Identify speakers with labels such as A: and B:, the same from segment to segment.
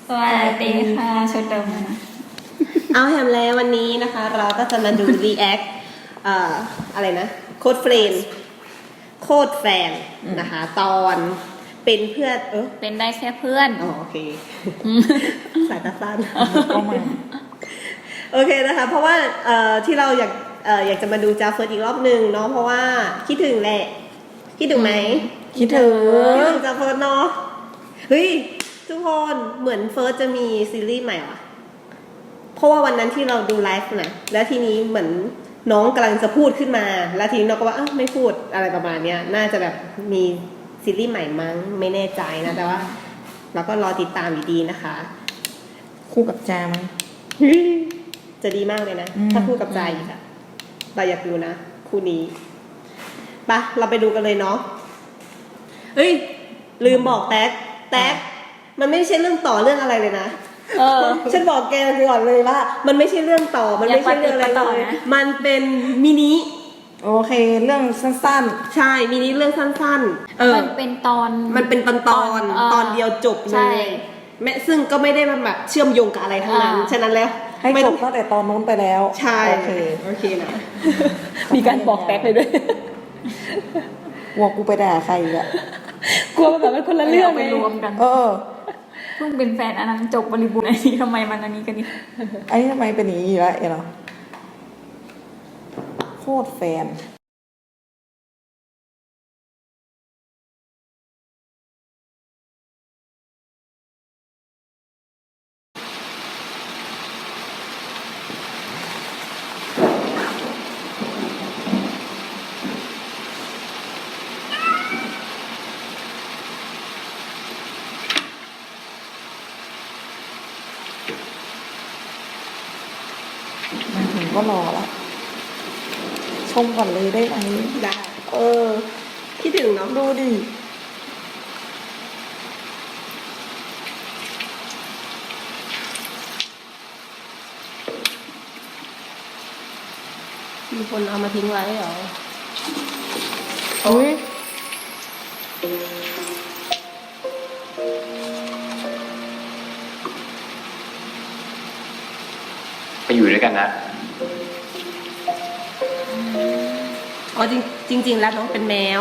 A: สวัสดีค่ะชุดเดิมนะ
B: เอาแฮมแล้ววันนี้นะคะเราก็จะมาดู react อะไรนะโค้ดเฟรนโค้ดแฟนนะคะตอนเป็นเพื่อน
A: เป็นได้แค่เพื่อน
B: โอเคสายตาสั้นก็มาโอเคนะคะเพราะว่าที่เราอยากจะมาดูจาเฟิร์สอีกรอบนึงเนาะเพราะว่าคิดถึงแหละคิดถึงไหม
C: คิดถึง
B: จาเฟิร์สเนาะเฮ้ยทุกคนเหมือนเฟิร์สจะมีซีรีส์ใหม่ว่ะเพราะว่าวันนั้นที่เราดูไลฟ์นะแล้วทีนี้เหมือนน้องกำลังจะพูดขึ้นมาแล้วทีนี้เราก็ว่าไม่พูดอะไรประมาณเนี้ยน่าจะแบบมีซีรีส์ใหม่มั้งไม่แน่ใจนะแต่ว่าเราก็รอติดตามอยู่ดีนะคะ
C: คู่กับจามั้ง
B: จะดีมากเลยนะถ้าคู่กับใจอีกอะเราอยากดูนะคู่นี้ปะเราไปดูกันเลยเนาะเฮ้ยลืมบอกแท็กมันไม่ใช่เรื่องต่อเรื่องอะไรเลยนะฉันบอกแกก่อนเลยว่ามันไม่ใช่เรื่องต่อมันไม่ใช่เรื่องอะไรเลยมันเป็นมินิ
C: โอเคเรื่องสั้น
B: ๆใช่มินิเรื่องสั้น
A: ๆมันเป็นตอน
B: เดียวจบเลยแม้ซึ่งก็ไม่ได้แบบเชื่อมโยงกับอะไรทั้งนั้นฉะนั้นแล้ว
C: ให้จบตั้งแต่ตอนนู้นไปแล้ว
B: ใช่โอเคนะ
A: มีการบอกแท็กเลยด้วย
C: กลัวกูไปด่าใครอ่ะ
A: กลัวแบบเป็นคนละเรื่องไปรวมกันเพิ่งเป็นแฟนอันนั้นจบบริบูรณ์อันนี้ทำไมมันอันนี้กันนี่
C: ไอ้ทำไมเป็นอย่างนี้อยู่แล้วเนาะโคตรแฟนมาถึงก็รอละชมก่อนเลยได้ไหม
B: ได้คิดถึงเนาะ
C: ดูดิ
B: มีคนเอามาทิ้งไว้เหรอ
C: อุ้ย
D: ไปอยู่ด้วยกันนะ
B: อ๋อจริงแล้วน้องเป็นแมว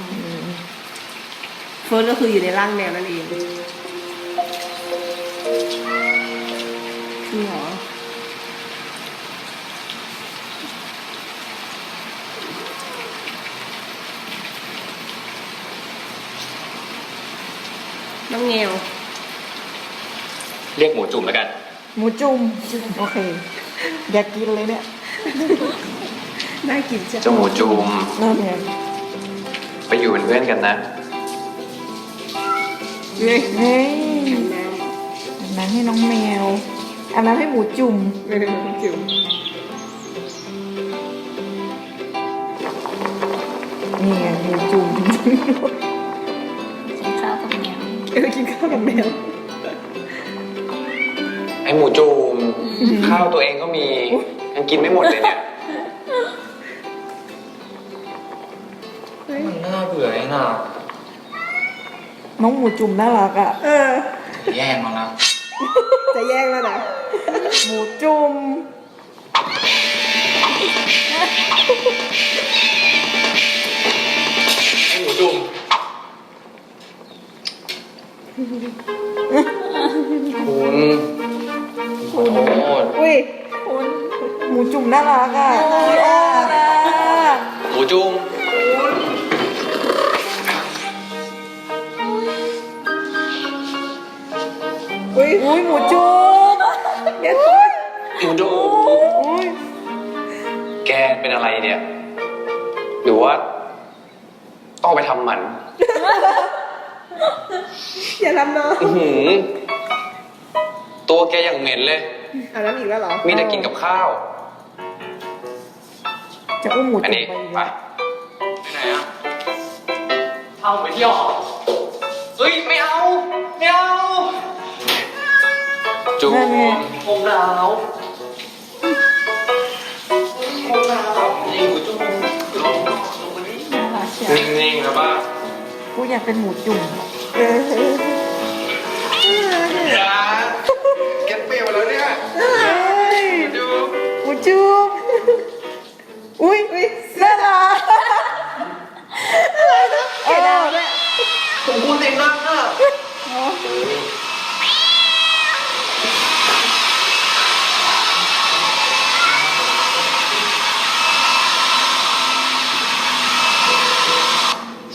B: เฟิร์สก็คืออยู่ในร่างแมวนั่นเองจริงเหรอน้องแมว
D: เรียกหมูจุ่มแล้วกัน
C: หมูจุ่มโอเคอยากกินเลยเนี่ย
B: น่ากิน
D: เจ้าหมูจุ่ม
C: น่าแพง
D: ไปอยู่เป็นเพื่อนกันนะ
C: เฮ้ยอันนั้นให้น้องแมวอันนั้นให้หมูจุ่ม
B: หมูจุ่ม
C: นี่ไงหมูจุ่ม
A: กินข้าวกับแมว
B: กินข้าวกับแมว
D: ไอหมูจุ่มข้าวตัวเองก็มียังกินไม่หมดเลยเนี่ยมันน่าเบื่อไอ้น่ะ
C: น้องหมูจุ่มน่ารักอ่ะ
D: แย่งมาแล้ว
B: จะแย่งแล้วนะ
C: หมูจุ่ม
D: ไอหมูจุ่มคุณ
B: อุ้ย
C: หมูจุ่มน่ารักอ่ะ
D: หมูจุ่ม
C: อุ้ยหมูจุ่ม
B: เดี๋ยว
D: หมูจุ่มแกเป็นอะไรเนี่ยหรือว่าต้องไปทำหมัน
B: อย่าทำน้อง
D: ตัวแกอย่างเหม็นเลย
B: อันนั้นอีกแล้วเหรอ
D: มีแต่กินกับข้าว
C: จะอุ้มหมูจุ่มไป
D: ไหนอะเอาไปเที่ยวเฮ้ยไม่เอาจุ่มผมหนาวนี่หมูจุ่มลงมาดินิ่งๆนะบ้า
C: กูอยากเป็นหมูจุ่ม
D: อย่า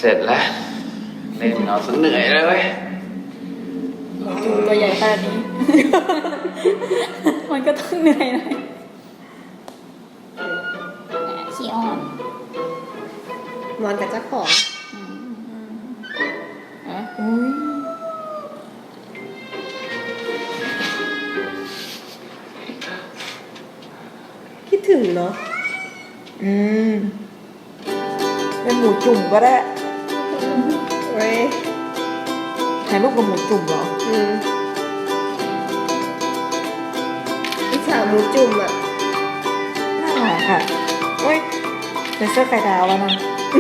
D: เสร็จแล้วเล่นเอาซะเหนื่อยเลยเว้ย
A: จูตัวใหญ่ขนาดนี้ มันก็ต้องเหนื่อยหน่อยขี้อ่อน
B: นอนกับเจ้าของ
C: อุ้ย
B: คิดถึงเนาะ
C: อืมเป็นหมูจุ่มก็ได้
B: เว้ย
C: ถ่ายรูปกับหมูจุ่มเหรอ
B: อิจฉาหมูจุ่มอ่ะ
C: น่ารักค่ะเฮ้ยใส่เสื้อไข่ดาวแล้วนะ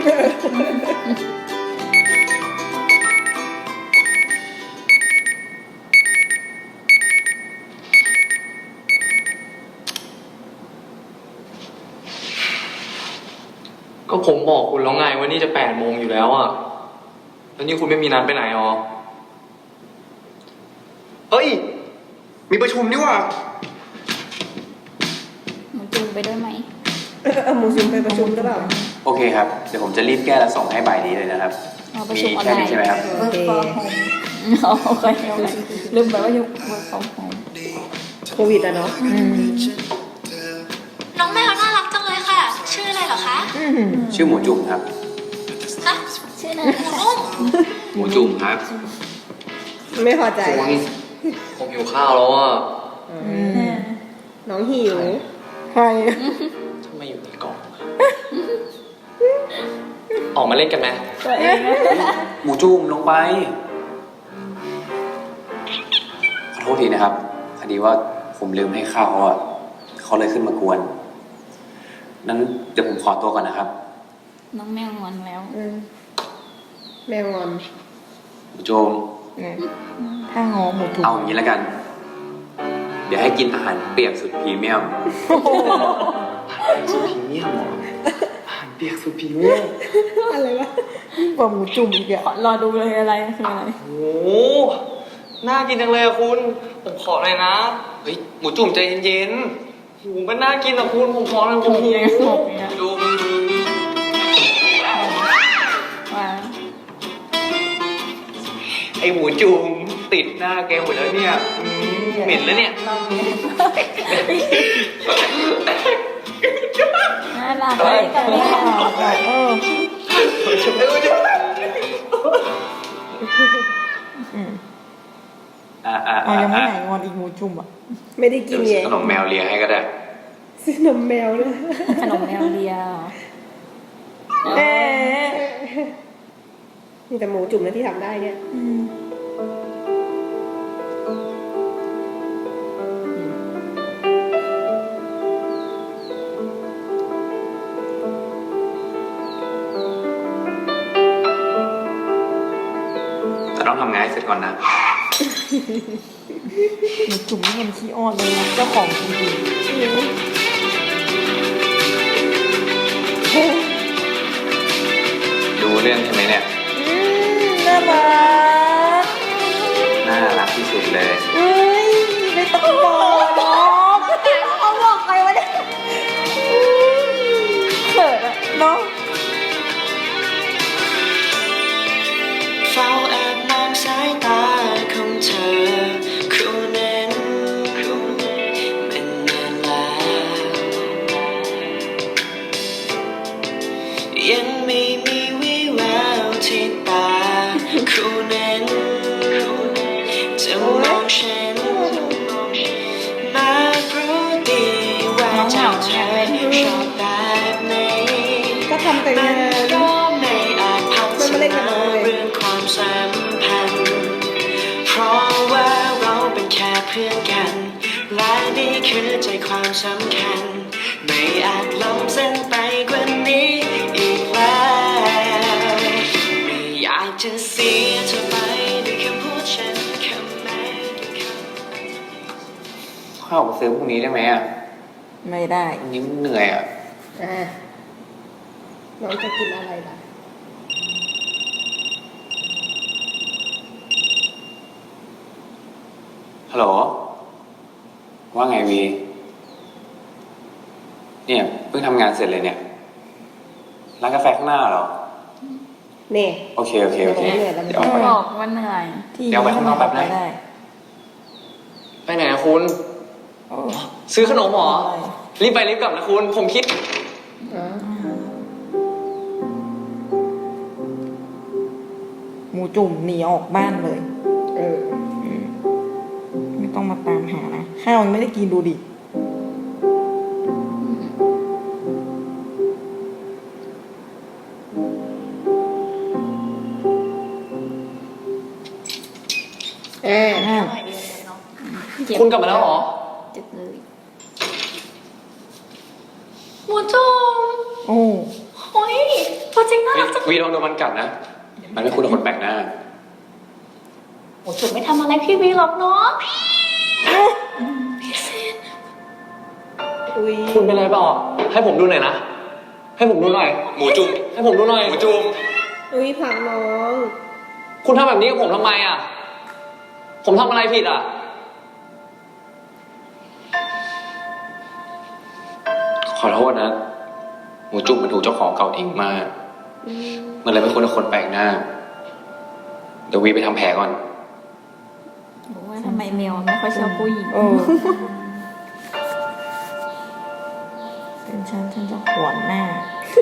D: ก็ผมบอกคุณแล้วไงว่านี่จะ8 โมงอยู่แล้วอ่ะแล้วนี่คุณไม่มีนัดไปไหนหรอเฮ้ยมีประชุมนี่หว่า
A: หมูจูไปด้วยไหม
B: เอาหมูจุ่มไปประชุมหรือเปล่า
E: โอเคครับ เดี๋ยวผมจะรีบแก้และส่งให้บ่ายนี้เลยนะครับ
A: เราประชุมออน
E: แค่
A: ไล
E: นี้
A: น์
E: ใช่ไหมครับ
B: โอเค
A: โอเคลืมไปว่าอยู่ work from home
B: โควิดอะเนาะ
F: น้องแมวน่ารักจังเลยค่ะ ชื่ออะไรเหรอคะ
E: ชื่อหมูจุ่มครับ
F: ฮะ
A: ชื่อนะ
E: หมูจุ่มครับ
B: ไม่พอใจ
D: ผมหิวข้าวแล้วอ่ะ
B: น้องหิว
C: ใคร
D: ทำไมอยู่ในกล่องออกมาเล่นกันไหม
A: ตัวเองนะ
E: หมูจุ่มลงไป ขอโทษทีนะครับพอดีว่าผมลืมให้ข้าวเขาอ่ะเขาเลยขึ้นมากวน นั้นเดี๋ยวผมขอตัวก่อนนะครับ
A: น้องแมวงอนแล้ว
B: แมวงอน
E: หมูจุ่ม
C: เนี่ยถ้างอหมูจุ่ม
E: เอาอย่างนี้แล้วกัน เดี๋ยวให้กินอาหารเปียกสุดพรีเมียม
D: สุดพรีเมียมเหรออาหารเปียกสุดพรีเมียม
B: อะไรวะ
C: ยิ่งกว่าหมูจุ่มอีกอะ
A: รอดูเลยอะไรคืออะไร
D: โอ้โหน่ากินจังเลยอะคุณ ผมขอหน่อยนะ เฮ้ย หมูจุ่มใจเย็นๆหูมันน่ากินอะคุณ ผมขอหน่อยผมหิว
A: บอกเนี่ย
D: ดู
A: ว่า
D: ไอหมูจุ่มติดหน้าแกหมดแล้วเนี่ยเหม็นแล้วเนี่ย
A: น่ารักเลยแต่ไม่เอา
C: เอายังไม่หายงอนอีกหมูจุ่มอ่ะ
B: ไม่ได้กิน
E: เดี๋ยว
B: ไง
E: ซื้อขนมแมวเลียให้ก็ได้
B: ซื้อนมแมวด้วย
A: ขนมแมวเลีย
C: เอ๊ะ
B: มีแต่หมูจุ่มนะที่ทำได้เนี่ย
E: แต่ต้องทำงานให้เสร็จก่อนนะ
C: หมูจุ่มนี่มันขี้อ้อนเลยนะเจ้าของจริง
E: ดูเรื่องใช่ไหมเนี่ย
C: ๆน่ารัก
E: น่ารักที่สุดเลย
C: เอ้ยไม่ต้องบอกเนาะเขาบอกใครวะเนี่ยเขินอะเนาะ
G: เฝ้าแอบมองสายตาของเธอคู่นั้นมันนานแล้วยังไม่มีวิแววที่ตาคู่นั้นจะมองฉันมารู้ดีว่าเจ้าเธอชอบแบบไหน
B: ก็ทำแต่งาน
G: ก็ไม่อาจพัฒ
B: มันมาเล่นกับ
G: นา
B: น้องเลย
G: เรื่องความสัมพันธ์ เพราะว่าเราเป็นแค่เพื่อนกัน และนี่คือใจความสำคัญ ไม่อาจล้ำเส้นไปกว่านี้อีกแล้วไม่อยากจะเสียเธอไปด้วยคำพูดฉันคำแม้ด้วยคำ
E: ข้าวไปซื้อพรุ่งนี้ได้ไหมอ่ะ
C: ไม่ได้
E: วันนี้มันเหนื่อยอ่ะ
B: น้องจะกินอะไรล่ะ
E: ฮัลโหล ว่าไงวี เนี่ยเพิ่งทำงานเสร็จเลยเนี่ย ร้านกาแฟข้างหน้าเหรอ โ
B: เนี่ย
E: โอเคโอเคโอเค
B: เหนื่อยแล้ว
E: เดี๋ยวเอาไป
A: บอกว่าเหนื่อย
C: ที่
E: เดี๋ยวไปข้างนอกแป๊บนะ
C: ได้
D: ไปไหนอะคุณ
C: โอ้
D: ซื้อขนมเหรอ รีบไปรีบกลับนะคุณ ผมคิด
C: หมูจุ่มหนีออกบ้านเลย
B: เออ
C: ไม่ต้องมาตามหานะ ข้าวยังไม่ได้กินดูดิ
B: อ่า
C: อ้าว
D: คุณกลับมาแล้วเหรอ
A: เจ็บเลย
F: หมูจุ่ม
C: โอ้
F: โอ้ยตัวจริงน่า
E: เฮ้ย
F: รักจัง
E: วีลองโดนมันกัดนะ มันไม่คุ้นกับคนแปลกหน้า
F: หมูจุ่มไม่ทำอะไรพี่วีหรอกเนาะพี่ซิน
B: อุ้ย
D: คุณเป็นอะไรเปล่าอ่ะให้ผมดูหน่อยนะ ให้ผมดูหน่อย
E: หมูจุ่ม
D: ให้ผมดูหน่อย
E: หมูจุ่ม
B: อุ้ยผักน้อง
D: คุณทำแบบนี้กับผมทำไมอ่ะ ผมทำอะไรผิดอ่ะ
E: ขอโทษนะ หมูจุ่มมันถูกเจ้าของเก่าทิ้งมา มันเลยไม่คุ้นกับคนแปลกหน้า เดี๋ยววีไปทำแผลก่อน
A: บอกว่าทำไมแมวไม่ค่อยชอบผู้หญิง
C: เออเป็นฉันจะหวนหน้า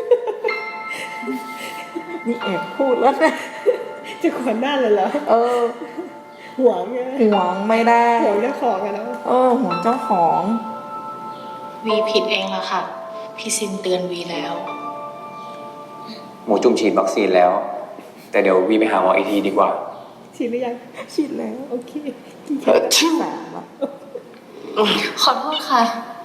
C: นี่แอบพูดแล้วนะ
B: จะขวนหน้าเลยเหรอ
C: เออ
B: ห่วงไง
C: หวงไม่ได้
B: ห่วงเจ้าของอะเนาะ
C: เออหวงเจ้าของ
F: วีผิดเองละค่ะ พี่ซินเตือนวีแล้ว
E: หมูจุ่มฉีดวัคซีนแล้ว แต่เดี๋ยววีไปหาหมออีกทีดีกว่า
B: ฉีดหรือยัง
C: ชิดแล้ว
B: โอเค
C: สามละ
F: ขอโทษค่ะ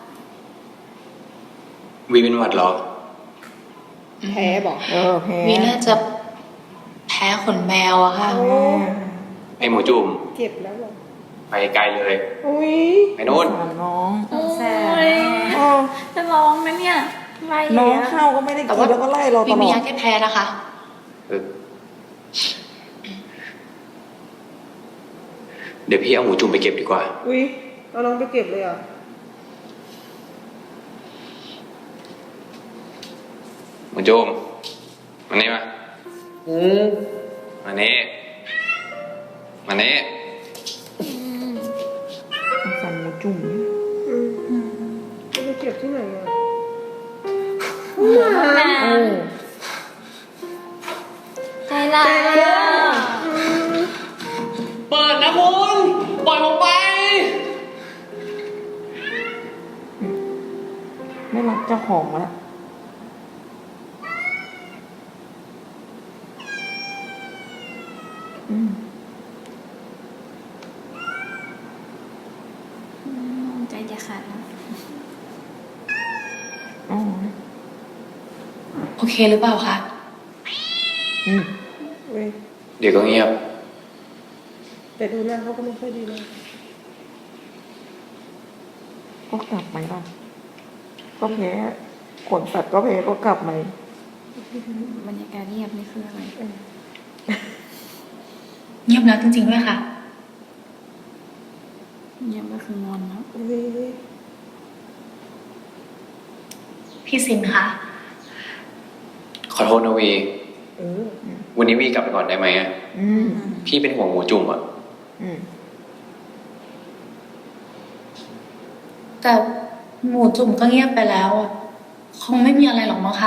E: วีเป็นหวัดเหรอ
B: แพ้บอก
C: เออแพ้
F: วีน่าจะแพ้ขนแมวอะค่ะ
C: อ่า
E: ไอหมูจุ่ม
B: เจ็บแล้วเหรอ
E: ไปไกลเลย
B: อุ้ย
E: ไปโน่น
C: สงสารน้อง
A: แส
C: โอ้
A: จะร้องไหมเนี่ยไร
C: น้อง
A: อะ
C: เข้าก็ไม่ได้
F: แต่
C: กิน
F: ว่า
C: แล้วก็ไล่เราต
F: วี
C: ล
F: มี
C: อด
F: ยาแก้แพ้นะคะ
E: เดี๋ยวพี่เอาหมูจุ่มไปเก็บดีกว่า
B: อุ้ยเอาน้องไปเก็บเลยเหรอ
E: หมูจุ่มมานี่มา
D: อืม
E: มานี่มานี่
C: สงสารหมูจุ่ม
B: จะไปเก็บที่ไหนอ่ะ
C: โอ้
A: ใจร้าย
D: เปิดนะคุณ ปล่อยผมไป
C: ไม่รักเจ้าของแล้วอืม
A: ใจจะขาดแล้ว
C: อ๋อ
F: โอเคหรือเปล่าคะ
C: อืม
B: อุ้ย
E: เดี๋ยวก็เงียบ
B: แต่ดูหน้าเขาก็ไม่ค่อยดีเลย
C: ก็กลับไหมล่ะก็แพ้ขนสัตว์ก็แพ้ก็กลับไหม
A: บรรยากาศเงียบนี่คืออะไร
F: เงียบแล้วจริงๆด้วยค่ะ
A: เงียบก็คืองอนแล้ว
B: อุ้ย
F: พี่ซินคะ
E: ขอโทษนะวี
B: เออ
E: วันนี้วีกลับไปก่อนได้ไหมอะ
C: อืม
E: พี่เป็นห่วงหมูจุ่มอะ
C: อืม
F: แต่หมูจุ่มก็เงียบไปแล้วอะคงไม่มีอะไรหรอกมั้งคะ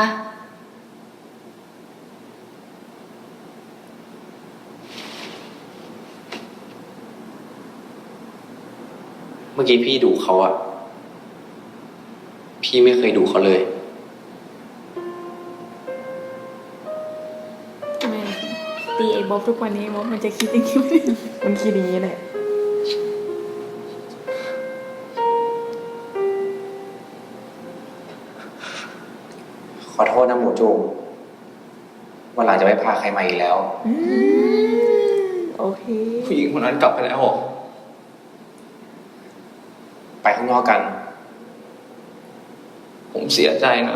E: เมื่อกี้พี่ดุเขาอะพี่ไม่เคยดุเขาเลย
A: ทำไมตีไอ้บ๊อบทุกวันนี้บ๊อบมันจะคิดอย่างนี้ไหม
C: มันคิดอย่างนี้แหละ
E: ขอโทษนะหมูจุ่มวันหลังจะไม่พาใครมาอีกแล้ว
C: อืมโอเค
D: ผู้หญิงคนนั้นกลับไปแล้วเหรอ
E: ไปข้างนอกกัน
D: ผมเสียใจนะ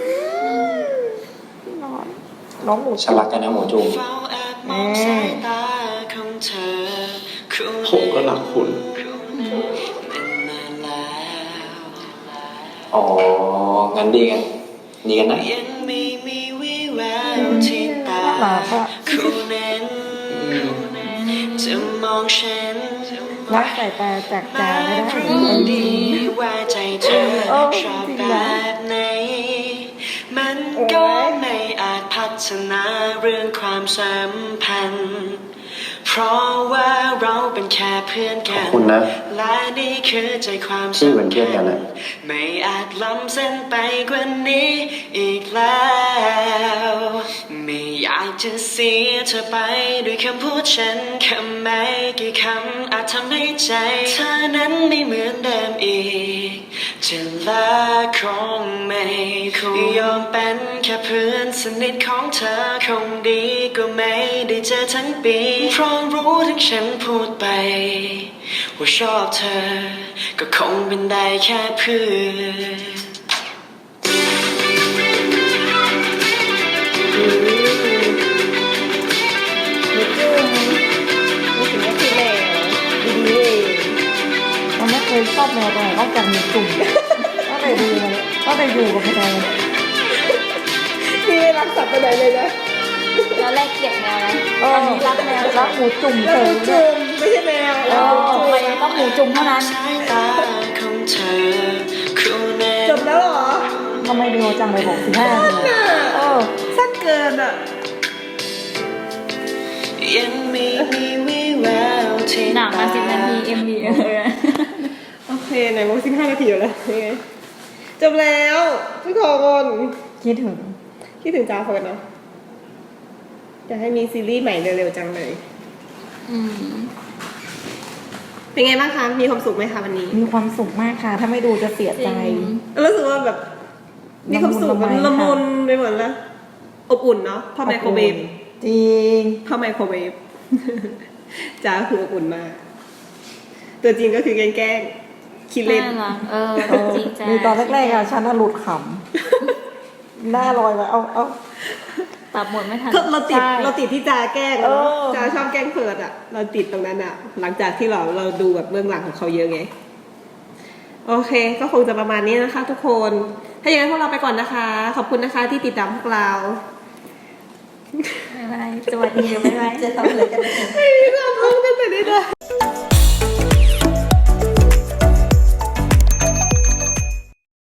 C: น้องหมู
E: ฉันรักกันนะหมูจุ่ม
G: เฝ้าแอบมองสายตาของเธอคู่
D: ผมก็รักคุณ
G: เป็นนานแล้ว
E: อ๋อ งั้นดีกันนะ
G: ยังไม่มีวี่แววที่ตา
C: ปากอะ
G: คู่นั้นจะมองฉัน
C: รักสายตาจากจาไม่ได้
G: รู้ดีว่าใจเธอชอบแบบไหนมันก็ไม่อาจพัฒนาเรื่องความสัมพันธ์เพราะว่าเราเป็นแค่เพื่อนกัน
E: ขอบคุณนะ
G: และนี่คือใจความ
E: ที่เหมือน
G: สำ
E: เพื่อน
G: คั
E: กั
G: ญ
E: นอะ
G: ไม่อาจล้ำเส้นไปกว่านี้อีกแล้วไม่อยากจะเสียเธอไปด้วยคำพูดฉันคำไม่กี่คำอาจทำให้ใจเธอนั้นไม่เหมือนเดิมอีกจะลาคงไม่คงยอมเป็นแค่เพื่อนสนิทของเธอคงดีก็ไม่ได้เจอทั้งปีเพราะรู้ทั้งฉันพูดไปว่าชอบเธอก็คงเป็นได้แค่เพื่อน
B: หมูจุ่มรู้สึกว่าคือแมวดีๆเอง
C: มันไม่เคยชอบแมวตัวไหนนอกจากหมูจุ่มก็เลยดูมันก็เลยอยู่กับแมว
B: นี่ไม่รักสัตว์ตัวไหนเลยนะ
A: แล้วแรกเกลียดแมวนะ
C: ตอนนี้รักแมวรักหมูจุ่ม
B: แล้ว
C: เฉ
B: หมู
C: ย
B: จุ่มไม่ใช่แมวแล้วหมู
A: ทำ
B: จุ่
A: ไม
B: ม
A: ต้องหมูจุ่มเท่านั้น
G: สายตาของเธอคู่นั้น
B: จบแล้วเหรอ
C: ทำไมเร็วจังเลยบอก15 นาทีเออ
B: สั้นเกินอ่ะ
G: ยังไม่มีวิแววที่
A: หนังมา10 นาที MV เลย
B: โอเคไหนบอก15 นาทีอยู่แล้วยังไงจบแล้วทุกคน
C: คิดถึง
B: คิดถึงจาเฟิร์นเนาะอยากให้มีซีรีส์ใหม่เร็วๆจังเลย
A: อืม
B: เป็นไงบ้างคะ มีความสุขไหมคะวันนี้
C: มีความสุขมากค่ะ ถ้าไม่ดูจะเสียใจ
B: รู้สึกว่าแบบมีความสุขมันละมุนไปหมดแล้วอบอุ่นเนาะพ่อไมโครเวฟ
C: จริง
B: พ่อไมโครเวฟ จ้าคืออบอุ่นมาก ตัวจริงก็คือแกล้งคิดเล่น
A: น่ารักจริงจ้า
C: มีตอนแรกๆอะฉันน่ะหลุดขำ หน้าลอยไปเอา
A: ปรับหมดไม่ทัน
B: เราติด
C: ใช่
B: เราติดที่จาแกล้งอะ
C: เออ
B: จาชอบแกล้งเพิร์ดอ่ะ เราติดตรงนั้นอ่ะ หลังจากที่เราดูแบบเบื้องหลังของเขาเยอะไง โอเค ก็คงจะประมาณนี้นะคะ ทุกคน ถ้าอย่างนั้นพวกเราไปก่อนนะคะ ขอบคุณนะคะที่ติดตามพวกเรา
A: บ๊ายบายสวัสดีบ๊ายบาย
C: จะทำอะไรกัน
B: ไม่มีความพร้อมกันแต่นิดเดียว